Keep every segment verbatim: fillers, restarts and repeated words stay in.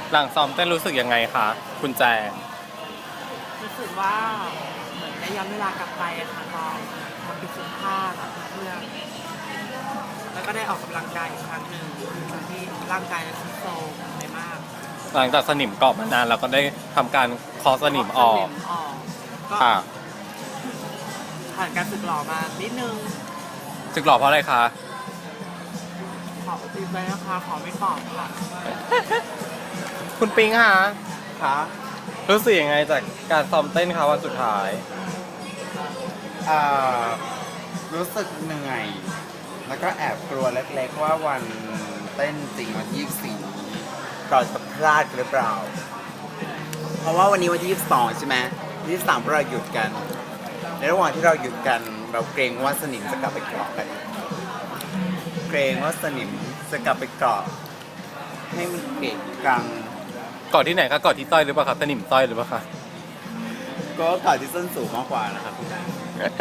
หลังซ้อมเต้นรู้สึกยังไงคะคุณแจงรู้สึกว่าเหมือนได้ย้อนเวลากลับไปอะค่ะตอนทำพิซซ่ผ้ากับเพื่อนแล้วก็ได้ออกกำลังกายอีกครั้งหนึ่งจากที่ร่างกายทรุดโทรมไปมากหลังจากสนิมเกาะมานานเราก็ได้ทำการเคอสนิมออกสนิมออกก็ค่ะผ่านการฝึกหล่อมานิดนึงจึกหล่อเพราะอะไรคะขอติดไว้นะคะขอไม่ตอบค่ะคุณปิงคะคะรู้สึกยังไงจากการซ้อมเต้นคะวันสุดท้ายอ่ารู้สึกเหนื่อย แล้วก็แอบกลัวเล็กๆว่าวันเต้นจริงวันที่ยี่สิบสี่เราจะพลาดหรือเปล่า เพราะว่าวันนี้วันที่ยี่สิบสองใช่ไหมยี่สิบสามเราหยุดกัน ในระหว่างที่เราหยุดกัน เราเกรงว่าสนิมจะกลับไปเกาะกัน เกรงว่าสนิมจะกลับไปเกาะให้มันเกะกังเกาะที่ไหนคะเกาะที่ต้อยหรือเปล่าคะสนิมต้อยหรือเปล่าคะก็เกาะที่ส้นสูงมากกว่านะครับคุณนาย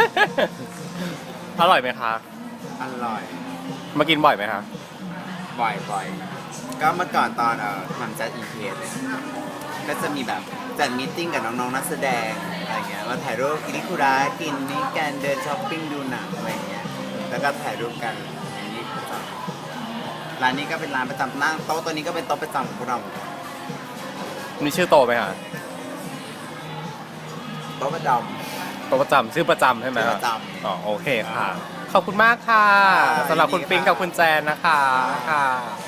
อร่อยไหมคะอร่อยมากินบ่อยไหมคะบ่อยบ่อยก็เมื่อก่อนตอนเอ่อทำจัดอีเวนต์เนี่ยก็จะมีแบบจัดมีตติ้งกับน้องๆนักแสดงอะไรเงี้ยมาถ่ายรูปกินนิคุระกินนี่กันเดินช้อปปิ้งดูหนังอะไรเงี้ยแล้วก็ถ่ายรูปกันอย่างนี้ประจำร้านนี้ก็เป็นร้านประจำนั่งโต๊ะตัวนี้ก็เป็นโต๊ะประจำของพวกเรามีชื่อโตไหมคะโต๊ะประจโตประจำชื่อประจำใช่ไหมชื่อคประจำอ๋อโอเคค่ะ ขอบคุณมากค่ะค่ะสำหรับคุณยินดีปิงค่ะกับคุณแจนนะคะค่ะ